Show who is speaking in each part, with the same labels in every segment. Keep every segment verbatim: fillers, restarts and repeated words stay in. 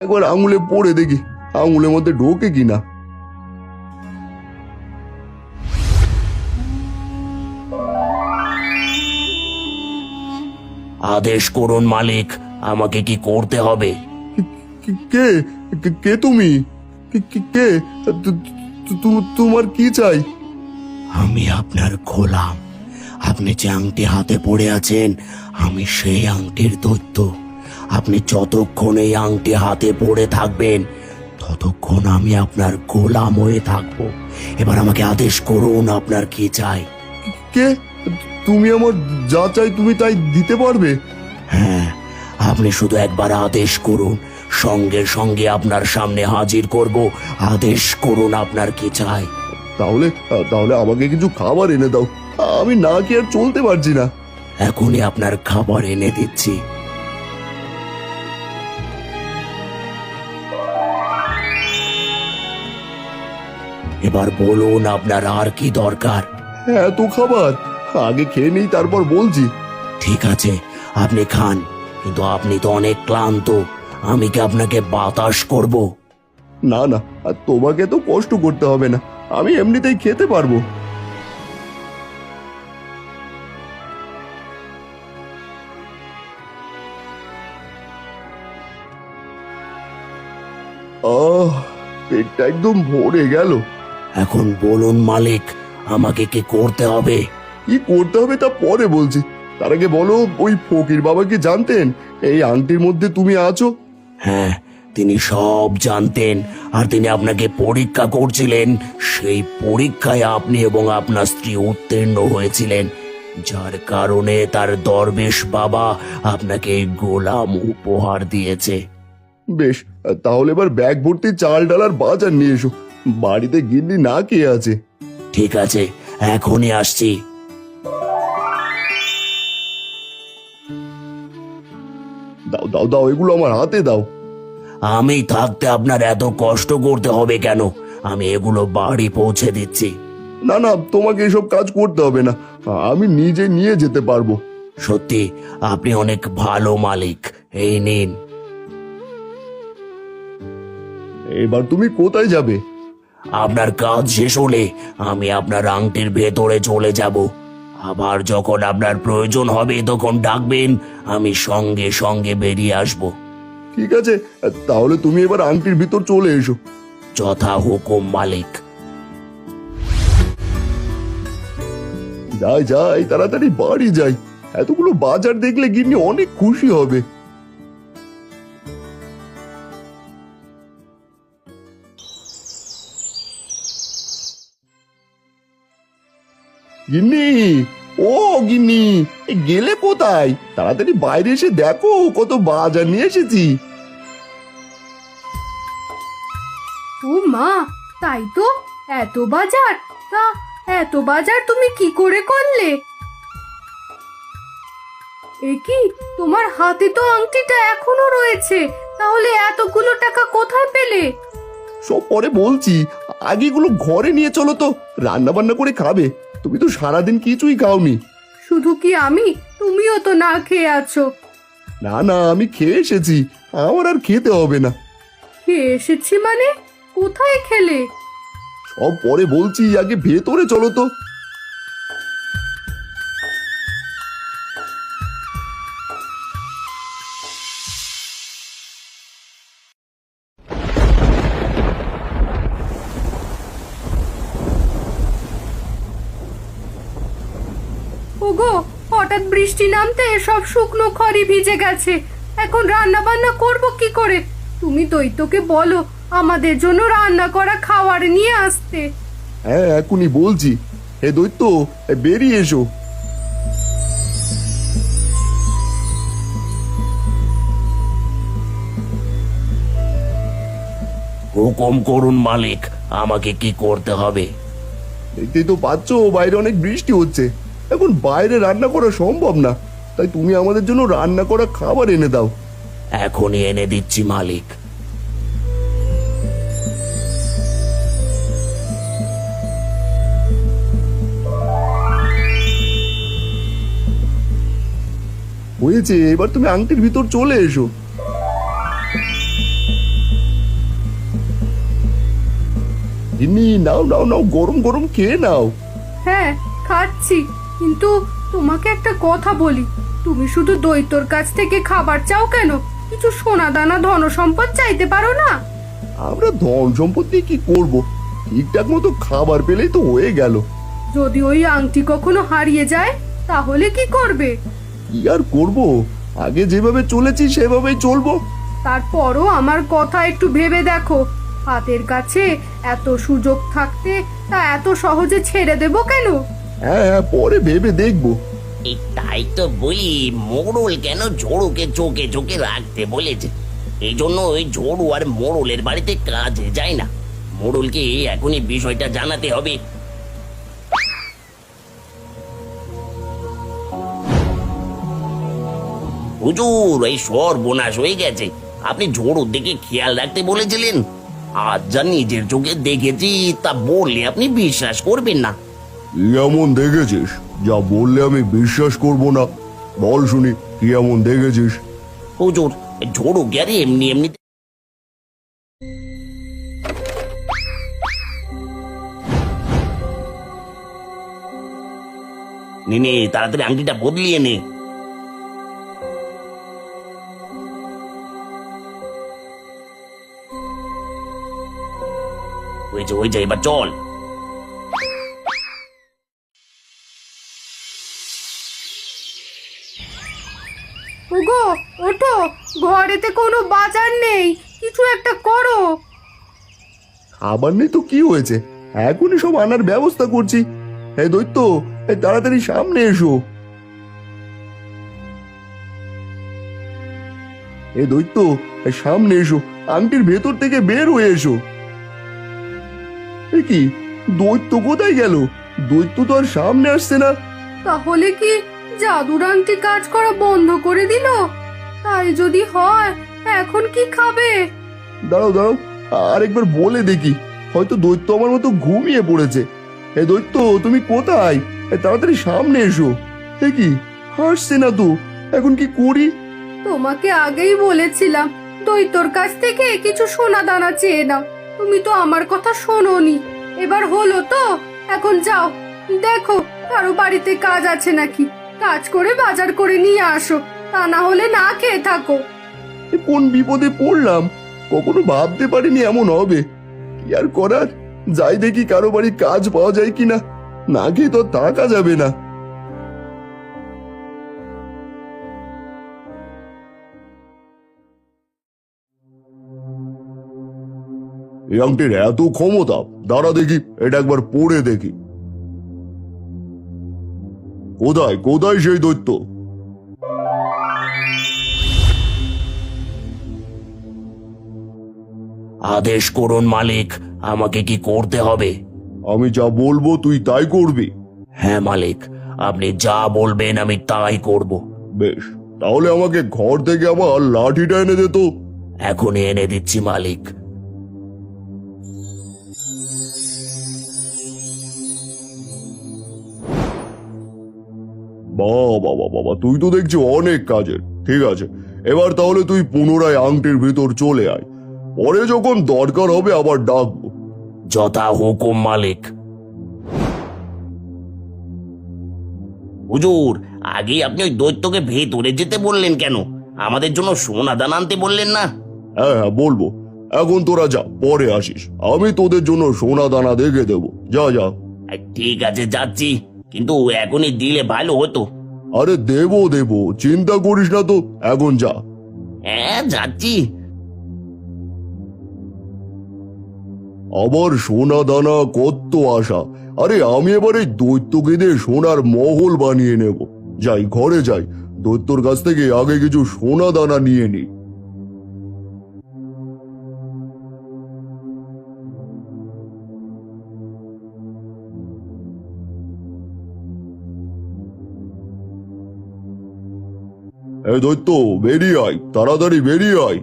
Speaker 1: একবার আঙুলে পড়ে দেখি আঙুলের মধ্যে ঢোকে কিনা।
Speaker 2: আদেশ করুন মালিক, আমাকে কি করতে হবে?
Speaker 1: কি- কে কে- কে তুমি? কি- কি- কে তু- তু- তু- তোমার কি চাই?
Speaker 2: আমি আপনার গোলাম। আপনি যে আংটি হাতে পড়ে আছেন, আমি সেই আংটির দৈত্য। আপনি যতক্ষণ এই আংটি হাতে পড়ে থাকবেন ততক্ষণ আমি আপনার গোলাম হয়ে থাকবো। এবার আমাকে আদেশ করুন, আপনার কি চাই?
Speaker 1: কে তুমি? আমার যা চাই তুমি তাই দিতে পারবে?
Speaker 2: হ্যাঁ, আপনি শুধু একবার আদেশ করুন, সঙ্গে সঙ্গে আপনার সামনে হাজির করব। আদেশ করুন, আপনার কি চাই?
Speaker 1: তাহলে তাহলে আমাকে কিছু খাবার এনে দাও, আমি না কি আর চলতে পারছি না।
Speaker 2: এখনই আপনার খাবার এনে দিচ্ছি। এবার বলুন, আপনার আর কি দরকার?
Speaker 1: এত খাবার আগে খেয়ে নেই, তারপর বলছি।
Speaker 2: ঠিক আছে, আপনি খান, কিন্তু আপনি তো অনেক ক্লান্ত। আমি কি আপনাকে বাতাস করব?
Speaker 1: না না, আর তোমাকে তো কষ্ট করতে হবে না, আমি এমনিতেই খেতে পারবো। আহ, পেটটা একদম ভরে গেল।
Speaker 2: এখন বলুন মালিক, আমাকে কি করতে হবে?
Speaker 1: কি করতে হবে তা পরে বলছি, তার আগে বলো, ওই ফকির বাবা কি জানতেন এই আংটির মধ্যে তুমি আছো?
Speaker 2: হ্যাঁ, তিনি সব জানতেন, আর তিনি আপনাকে পরীক্ষা করছিলেন। সেই পরীক্ষায় আপনি এবং আপনার স্ত্রী উত্তীর্ণ হয়েছিলেন, যার কারণে তার দরবেশ বাবা আপনাকে এই গোলাম উপহার দিয়েছে।
Speaker 1: বেশ, তাহলে এবার ব্যাগ ভর্তি চাল ডাল আর বাজার নিয়ে এসো, বাড়িতে গিন্নি না কে আছে।
Speaker 2: ঠিক আছে, এখনই আসছি।
Speaker 1: দাও দাও দাও, এগুলো আমার হাতে দাও।
Speaker 2: আমি থাকতে আপনার এত কষ্ট করতে হবে কেন? আমি এগুলো বাড়ি পৌঁছে দিচ্ছি।
Speaker 1: না না, তোমাকে এসব কাজ করতে হবে না, আমি নিজে নিয়ে যেতে পারবো।
Speaker 2: সত্যি আপনি অনেক ভালো মালিক। এই নিন।
Speaker 1: এবার তুমি কোথায় যাবে?
Speaker 2: আপনার কাজ শেষ হলে আমি আপনার আংটির ভেতরে চলে যাব। আবার যখন আপনার প্রয়োজন হবে তখন ডাকবেন, আমি সঙ্গে সঙ্গে বেরিয়ে আসব।
Speaker 1: ঠিক আছে, তাহলে তুমি এবার আংটির ভিতর চলে এসো।
Speaker 2: যথা হুকুম মালিক।
Speaker 1: যাই যাই, তাড়াতাড়ি বাড়ি যাই, এতগুলো বাজার দেখলে গিন্নি অনেক খুশি হবে। গিন্নি, ও গিন্নি, এ গেলে কোথায়? তাড়াতাড়ি বাইরে এসে দেখো কত বাজার নিয়ে এসেছি।
Speaker 3: ও মা, তাই তো, এত বাজার! তা এত বাজার তুমি কি করে করলে? এ কি, তোমার হাতে তো আংটিটা এখনো রয়েছে, তাহলে এতগুলো টাকা কোথায় পেলে?
Speaker 1: সব পরে বলছি, আগে এগুলো ঘরে নিয়ে চলো তো, রান্না বান্না করে খাবে। তুমি তো সারাদিন কিছুই খাওনি।
Speaker 3: শুধু কি আমি, তুমিও তো না খেয়ে আছো।
Speaker 1: না না, আমি খেয়ে এসেছি, আমার আর খেতে হবে না।
Speaker 3: খেয়ে এসেছি মানে? কোথায় খেলে?
Speaker 1: সব পরে বলছি, আগে ভেতরে চলো তো।
Speaker 3: ওগো, হঠাৎ বৃষ্টি নামতে সব শুকনো খড়ি ভিজে গেছে, এখন রান্না বান্না করব কি করে? তুমি দৈত্যকে বলো আমাদের জন্য রান্না করা খাবার নিয়ে আসতে।
Speaker 1: হ্যাঁ, এখনই বলছি। হে দৈত্য, এ বেরিয়ে এসো।
Speaker 2: হুকুম করুন মালিক, আমাকে কি করতে হবে?
Speaker 1: দেখতেই তো পাচ্ছ বাইরে অনেক বৃষ্টি হচ্ছে, এখন বাইরে রান্না করা সম্ভব না, তাই তুমি আমাদের জন্য রান্না করা খাবার এনে দাও।
Speaker 2: এখনই এনে দিচ্ছি মালিক।
Speaker 1: হয়েছে, এবার তুমি আংটির ভিতর চলে এসো। গিন্নি নাও নাও নাও, গরম গরম খেয়ে নাও।
Speaker 3: হ্যাঁ খাচ্ছি, কিন্তু তোমাকে একটা কথা বলি, তুমি শুধু দৈত্যর কাছ থেকে খাবার চাও কেন? কিছু সোনা দানা ধন সম্পদ চাইতে পারো না?
Speaker 1: আমরা ধন সম্পত্তি কি করব, ঠিকঠাক মতো খাবার পেলেই তো হয়ে গেল।
Speaker 3: যদি ওই আংটি কখনো হারিয়ে যায় তাহলে কি করবে?
Speaker 1: কি আর করব, আগে যেভাবে চলেছি সেভাবেই চলবো।
Speaker 3: তারপরও আমার কথা একটু ভেবে দেখো, হাতের কাছে এত সুযোগ থাকতে তা এত সহজে ছেড়ে দেব কেন?
Speaker 1: হ্যাঁ হ্যাঁ, পরে ভেবে দেখবো।
Speaker 2: এই তাই তো বলি, মোড়ল কেন ঝোড়ুকে চোখে চোখে রাখতে বলেছে। এই জন্য ওই ঝোড়ু আর মোড়লের বাড়িতে কাজে যায় না। মোড়লকে এখনই বিষয়টা জানাতে হবে। হুজুর, এই সর্বনাশ হয়ে গেছে। আপনি ঝোড়ুর দিকে খেয়াল রাখতে বলেছিলেন, আজ যা নিজের চোখে দেখেছি তা বললে আপনি বিশ্বাস করবেন না।
Speaker 1: কি এমন দেখেছিস যা বললে আমি বিশ্বাস করব না? বল শুনি, কি এমন দেখেছিস?
Speaker 2: হুজুর, ঝোড়ু গেলে এমনি এমনি নে নে, তাড়াতাড়ি আংটিটা বদলিয়ে নে। ওই যে ওই যে, এবার চল।
Speaker 3: ওগো ওঠো, ঘরেতে কোনো বাজার নেই, কিছু একটা করো।
Speaker 1: খাবার নেই তো কি হয়েছে, এখনই সব আনার ব্যবস্থা করছি। এই দৈত্য, এই তাড়াতাড়ি সামনে এসো। এই দৈত্য, এই সামনে এসো, আংটির ভেতর থেকে বের হয়ে এসো। এ কি, দৈত্য কোথায় গেল? দৈত্য তো আর সামনে আসছে না।
Speaker 3: তাহলে কি জাদুর আংটি কাজ করা বন্ধ করে দিল? তাই যদি হয়, এখন কি খাবে?
Speaker 1: দাঁড়াও দাঁড়াও, আরেকবার বলে দেখি, হয়তো দৈত্য আমার মতো ঘুমিয়ে পড়েছে। এই দৈত্য, তুমি কোথায়? এই তাড়াতাড়ি সামনে এসো। এ কি, হাসছে না তো, এখন কি করি?
Speaker 3: তোমাকে আগেই বলেছিলাম দৈত্যর কাছ থেকে কিছু সোনা দানা চেয়ে নাও, তুমি তো আমার কথা শোনোনি। এবার হলো তো, এখন যাও, দেখো কারো বাড়িতে কাজ আছে নাকি, কাজ করে বাজার করে নিয়ে আসো, তা না হলে না খেয়ে থাকো।
Speaker 1: এ কোন বিপদে পড়লাম, কখনো ভাবতে পারিনি এমন হবে। কি আর করার, যাই দেখি কারো বাড়ি কাজ পাওয়া যায় কিনা, না খেয়ে তো আর থাকা যাবে না। এই আংটির এত ক্ষমতা, দাঁড়া দেখি এটা একবার পড়ে দেখি। কোথায় কোথায় সেই দৈত্য?
Speaker 2: আদেশ করুন মালিক, আমাকে কি করতে হবে?
Speaker 1: আমি যা বলবো তুই তাই করবি।
Speaker 2: হ্যাঁ মালিক, আপনি যা বলবেন আমি তাই করব।
Speaker 1: বেশ, তাহলে আমাকে ঘর থেকে আবার লাঠিটা এনে দে তো।
Speaker 2: এখনই এনে দিচ্ছি মালিক।
Speaker 1: বাবা বাবা বাবা, তুই তো দেখছি অনেক কাজের। ঠিক আছে, এবার তাহলে তুই পুনরায় আংটির ভিতর চলে আয়, পরে যখন দরকার হবে আবার ডাকবো।
Speaker 2: যথা হুকুম মালিক। হুজুর, আগে আপনি ওই দৈত্যকে ভেতরে যেতে বললেন কেন? আমাদের জন্য সোনা দানা আনতে বললেন না?
Speaker 1: হ্যাঁ হ্যাঁ বলবো, এখন তোরা যা, পরে আসিস, আমি তোদের জন্য সোনা দানা দেখে দেবো। যা যা।
Speaker 2: এই, ঠিক আছে যাচ্ছি, কিন্তু এখনই দিলে ভালো হতো।
Speaker 1: আরে দেবো দেবো, চিন্তা করিস না তো, এখন যা।
Speaker 2: হ্যাঁ যাচ্ছি।
Speaker 1: আবার সোনা দানা কত আশা। আরে আমি এবার এই দৈত্যকে দিয়ে সোনার মহল বানিয়ে নেব। যাই, ঘরে যাই, দৈত্যর কাছ থেকে আগে কিছু সোনা দানা নিয়ে নি। এই দৈত্য, বেরিয়ে আয়, তাড়াতাড়ি বেরিয়ে আয়।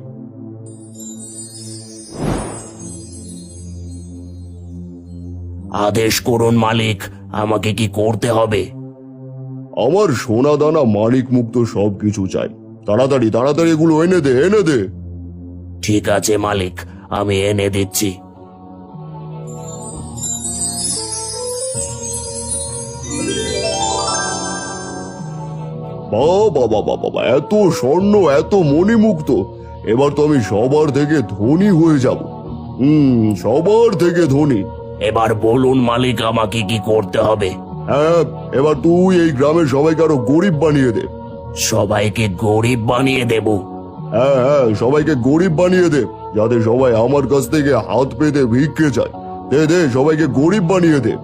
Speaker 2: আদেশ করুন মালিক, আমাকে কি করতে হবে?
Speaker 1: আমার সোনা দানা মানিক মুক্ত সবকিছু চাই, তাড়াতাড়ি তাড়াতাড়ি এগুলো এনে দে, এনে দে।
Speaker 2: ঠিক আছে মালিক, আমি এনে দিচ্ছি।
Speaker 1: বাবা বাবা বাবা, এত স্বর্ণ, এত মণিমুক্ত, এবার তো আমি সবার থেকে ধনী হয়ে যাব। হুম, সবার থেকে ধনী।
Speaker 2: এবার বলুন মালিক, আমাকে কি করতে হবে?
Speaker 1: হ্যাঁ, এবার তুই এই গ্রামের সবাইকে আরো গরিব বানিয়ে দে।
Speaker 2: সবাইকে গরিব বানিয়ে দেব?
Speaker 1: হ্যাঁ হ্যাঁ, সবাইকে গরিব বানিয়ে দে, যাতে সবাই আমার কাছ থেকে হাত পেতে ভিক্ষে চায়। দে দে, সবাইকে গরিব বানিয়ে দে।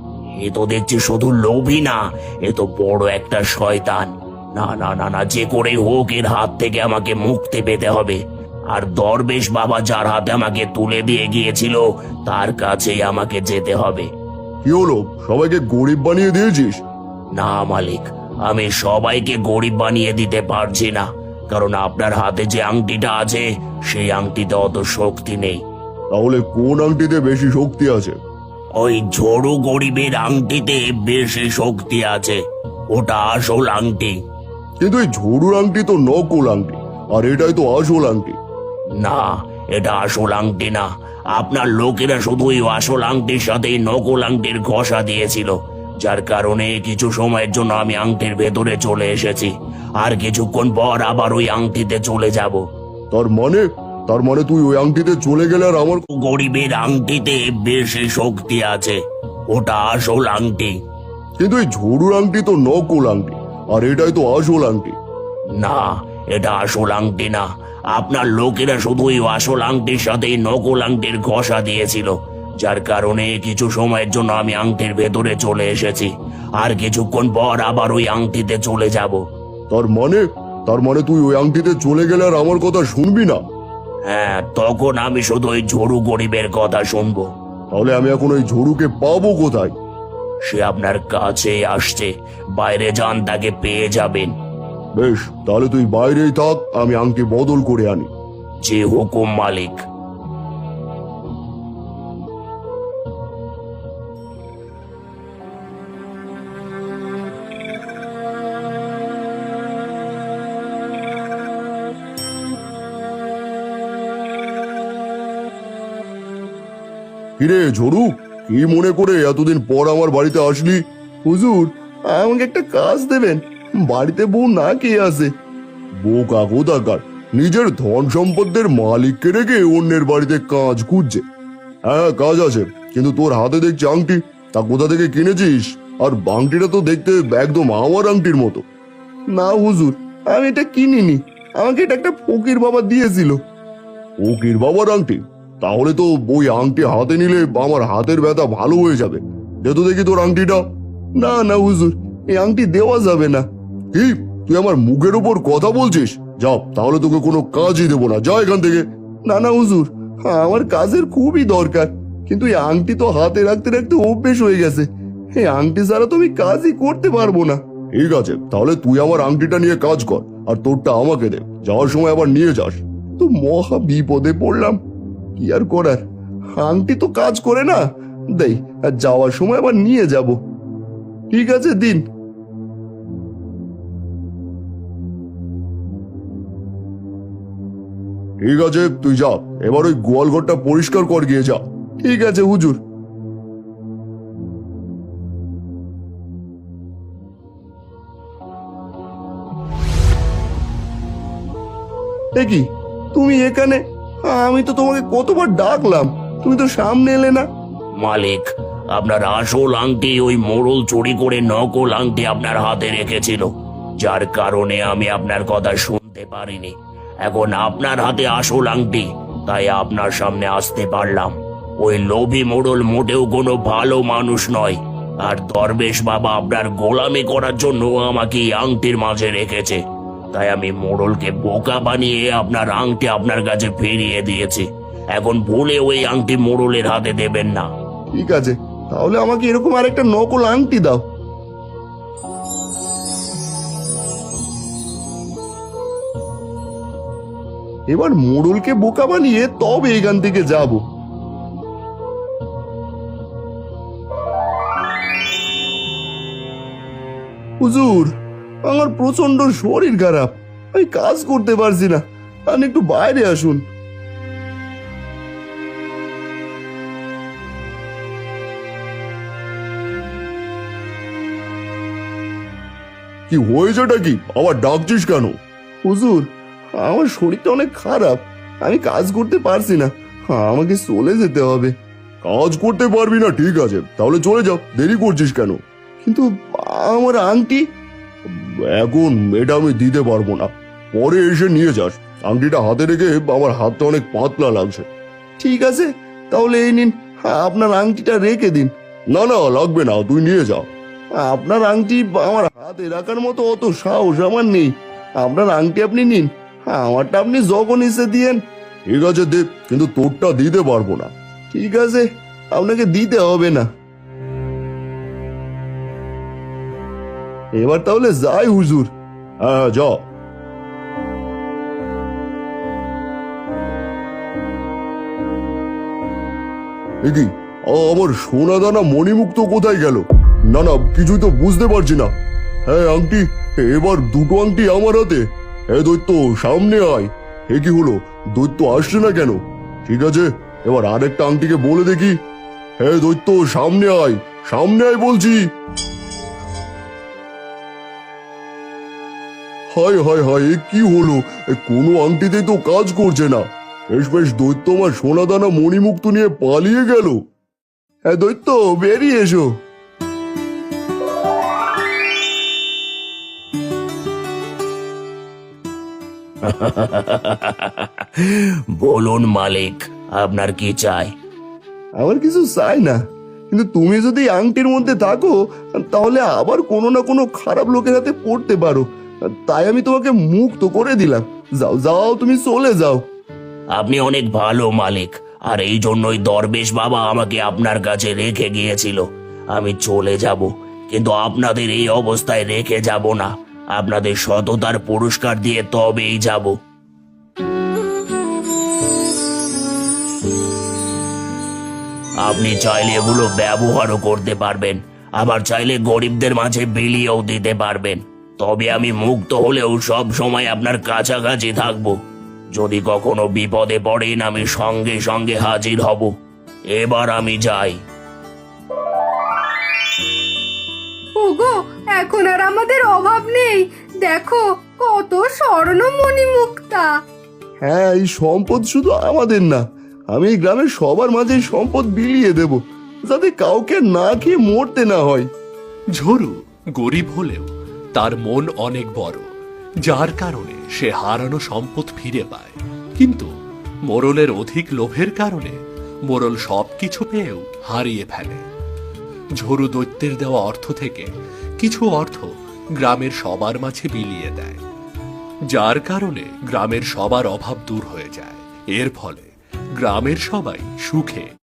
Speaker 2: এ তো দেখছি শুধু লোভী না, এ তো বড় একটা শয়তান। না না না না, যে করে হোক এর হাত থেকে আমাকে মুক্তি পেতে হবে। আর দরবেশ বাবা যার হাতে আমাকে তুলে দিয়ে গিয়েছিল তার কাছেই আমাকে যেতে হবে।
Speaker 1: কি হলো, সবাইকে গরিব বানিয়ে দিয়েছিস?
Speaker 2: না মালিক, আমি সবাইকে গরিব বানিয়ে দিতে পারছি না, কারণ আপনার হাতে যে আংটিটা আছে সেই আংটিতে অত শক্তি নেই।
Speaker 1: তাহলে কোন আংটিতে বেশি শক্তি আছে?
Speaker 2: ওই ঝড়ু গরিবের আংটিতে বেশি শক্তি আছে, ওটা আসল আংটি।
Speaker 1: কিন্তু এই ঝুড়ুর আংটি তো নকল আংটি, আর এটাই তো আসল আংটি।
Speaker 2: না, এটা আসল আংটি না। আপনার লোকেরা শুধু ওই আসল আংটির সাথে এই নকল আংটির ঘষা দিয়েছিল, যার কারণে কিছু সময়ের জন্য আমি আংটির ভেতরে চলে এসেছি, আর কিছুক্ষণ পর আবার ওই আংটিতে চলে যাব।
Speaker 1: তার মানে তার মানে তুই ওই আংটিতে চলে গেলে আর আমার।
Speaker 2: গরিবের আংটিতে বেশি শক্তি আছে, ওটা আসল আংটি।
Speaker 1: কিন্তু এই ঝুড়ুর আংটি তো নকল আংটি, আর এটাই তো আসল আংটি।
Speaker 2: না, এটা আসল আংটি না। আপনার লোকেরা শুধু ওই আসল আংটির সাথে এই নকল আংটির ঘষা দিয়েছিল, যার কারণে কিছু সময়ের জন্য আমি আংটির ভেতরে চলে এসেছি, আর কিছুক্ষণ পর আবার ওই আংটিতে চলে যাব।
Speaker 1: তার মানে তার মানে তুই ওই আংটিতে চলে গেলে আর আমার কথা শুনবি না?
Speaker 2: হ্যাঁ, তখন আমি শুধু ওই ঝড়ু গরিবের কথা শুনবো।
Speaker 1: তাহলে আমি এখন ওই ঝুড়ুকে পাবো কোথায়?
Speaker 2: সে আপনার কাছে আসছে, বাইরে যান, তাকে পেয়ে যাবেন।
Speaker 1: বেশ, তাহলে তুই বাইরেই থাক, আমি আংটি বদল করে আনি।
Speaker 2: যে হুকুম মালিক।
Speaker 1: কিরে ঝড়ু, কি মনে করে এতদিন পর আমার বাড়িতে আসলি? হুজুর, আমাকে একটা কাজ দেবেন, বাড়িতে বউ না কে আছে। বউ কাকু দাকার, নিজের ধন সম্পদের মালিককে রেখে অন্যের বাড়িতে কাজ খুঁজছে। হ্যাঁ, কাজ আছে, কিন্তু তোর হাতে দেখছি আংটি, তা কোথা থেকে কিনেছিস? আর আংটিটা তো দেখতে একদম আমার আংটির মতো। না হুজুর, আমি এটা কিনিনি, আমাকে এটা একটা ফকির বাবা দিয়েছিল। ফকির বাবার আংটি? তাহলে তো ওই আংটি হাতে নিলে আমার হাতের ব্যথা ভালো হয়ে যাবে। দে তো দেখি তোর আংটিটা। না না হুজুর, এই আংটি দেওয়া যাবে না। কি, তুই আমার মুখের উপর কথা বলছিস? যাও, তাহলে তোকে কোনো কাজই দেবো না, যা এখান থেকে। না না হুজুর, আমার কাজের খুবই দরকার, কিন্তু এই আংটি তো হাতে রাখতে রাখতে অভ্যেস হয়ে গেছে, এই আংটি ছাড়া তো আমি কাজই করতে পারবো না। ঠিক আছে, তাহলে তুই আমার আংটিটা নিয়ে কাজ কর, আর তোরটা আমাকে দে, যাওয়ার সময় আবার নিয়ে যাস। তো মহা বিপদে পড়লাম, কি আর করার, আংটি তো কাজ করে না, দেই, আর যাওয়ার সময় আবার নিয়ে যাব। ঠিক আছে, দিন। ঠিক আছে, তুই যা, এবার ওই গোয়ালঘরটা পরিষ্কার কর গিয়ে, যা। ঠিক আছে হুজুর। এ কি, তুমি এখানে? আমি তো তোমাকে কতবার ডাকলাম, তুমি তো সামনে এলে না।
Speaker 2: মালিক, আপনার আসল আংটি ওই মোড়ল চুরি করে নকল আংটি আপনার হাতে রেখেছিল, যার কারণে আমি আপনার কথা শুনতে পারিনি। এখন আপনার হাতে আসল আংটি, তাই আপনার সামনে আসতে পারলাম। ওই লোভী মোড়ল মোটেও কোনো ভালো মানুষ নয়, আর দরবেশ বাবা আপনার গোলামি করার জন্য আমাকে এই আংটির মাঝে রেখেছে, তাই আমি মোড়লকে বোকা বানিয়ে আপনার আংটি আপনার কাছে ফিরিয়ে দিয়েছি। এখন ভুলে ওই আংটি মোড়লের হাতে দেবেন না।
Speaker 1: ঠিক আছে, তাহলে আমাকে এরকম আরেকটা নকল আংটি দাও। এবার মোড়লকে বোকা বানিয়ে তবে এখান থেকে যাব। হুজুর, আমার প্রচন্ড শরীর খারাপ, আমি কাজ করতে পারছি না, আপনি একটু বাইরে আসুন। কি হয়েছেটা কি? আবার ডাকছিস কেন? হুজুর, আমার শরীরটা অনেক খারাপ, আমি কাজ করতে পারছি না, আমাকে চলে যেতে হবে। কাজ করতে পারবি না? ঠিক আছে, তাহলে চলে যাও, দেরি করছিস কেন? কিন্তু আমার আংটি। এখন এটা আমি দিতে পারবো না, পরে এসে নিয়ে যাস। আংটিটা হাতে রেখে আমার হাতটা অনেক পাতলা লাগছে। ঠিক আছে, তাহলে এই নিন, আপনার আংটিটা রেখে দিন। না না, লাগবে না, তুই নিয়ে যা। আপনার আংটি আমার হাতে রাখার মতো অত সাহস আমার নেই। আপনার আংটি আপনি নিন, আমারটা আপনি যখন ইচ্ছে দিয়েন। ঠিক আছে দে, কিন্তু তোরটা দিতে পারবো না। ঠিক আছে, আপনাকে দিতে হবে না। এবার তাহলে যাই হুজুর। হ্যাঁ যা। কি আমার সোনা দানা মণিমুক্ত কোথায় গেল? না না, কিছুই তো বুঝতে পারছি না। হ্যাঁ আংটি, এবার দুটো আংটি আমার হাতে। হ্যাঁ দৈত্য, সামনে আয়। এ কি হলো, দৈত্য আসছে না কেন? ঠিক আছে, এবার আরেকটা আংটিকে বলে দেখি। হ্যাঁ দৈত্য, সামনে আয়, সামনে আয় বলছি। হায় হায় হায়, এ কি হলো? এ কোনো আংটিতেই তো কাজ করছে না। বেশ বেশ, দৈত্য আমার সোনাদানা মণিমুক্ত নিয়ে পালিয়ে গেল। হ্যাঁ দৈত্য, বেরিয়ে এসো।
Speaker 2: বলুন মালিক, আপনার কি চাই?
Speaker 1: আমার কিছু চাই না, কিন্তু তুমি যদি এই আংটির মধ্যে থাকো তাহলে আবার কোনো না কোনো খারাপ লোকের হাতে পড়তে পারো, তাই আমি তোমাকে মুক্ত করে দিলাম। যাও যাও, তুমি চলে যাও।
Speaker 2: আপনি অনেক ভালো মালিক, আর এই জন্যই দরবেশ বাবা আমাকে আপনার কাছে রেখে গিয়েছিল। আমি চলে যাব, কিন্তু আপনাদের এই অবস্থায় রেখে যাব না। আপনাদের সততার পুরস্কার দিয়ে তবেই যাব। আপনি চাইলে এগুলো ব্যবহারও করতে পারবেন, আবার চাইলে গরিবদের মাঝে বিলিয়েও দিতে পারবেন। তবে আমি মুক্ত হলেও সব সময় আপনার কাছাকাছি থাকবো। যদি কখনো বিপদে পড়েন, আমি সঙ্গে সঙ্গে হাজির হব। এবার আমি যাই।
Speaker 3: ওগো, এখন আর আমাদের অভাব নেই, দেখো কত স্বর্ণ মণিমুক্তা।
Speaker 1: হ্যাঁ, এই সম্পদ শুধু আমাদের না, আমি এই গ্রামের সবার মাঝে এই সম্পদ বিলিয়ে দেব, যাতে কাউকে না খেয়ে মরতে না হয়।
Speaker 4: ঝরু গরিব হলেও তার মন অনেক বড়, যার কারণে সে হারানো সম্পদ ফিরে পায়। কিন্তু মোরলের অধিক লোভের কারণে মোরল সবকিছু পেয়েও হারিয়ে ফেলে। ঝরু দৈত্যের দেওয়া অর্থ থেকে কিছু অর্থ গ্রামের সবার মাঝে বিলিয়ে দেয়, যার কারণে গ্রামের সবার অভাব দূর হয়ে যায়। এর ফলে গ্রামের সবাই সুখে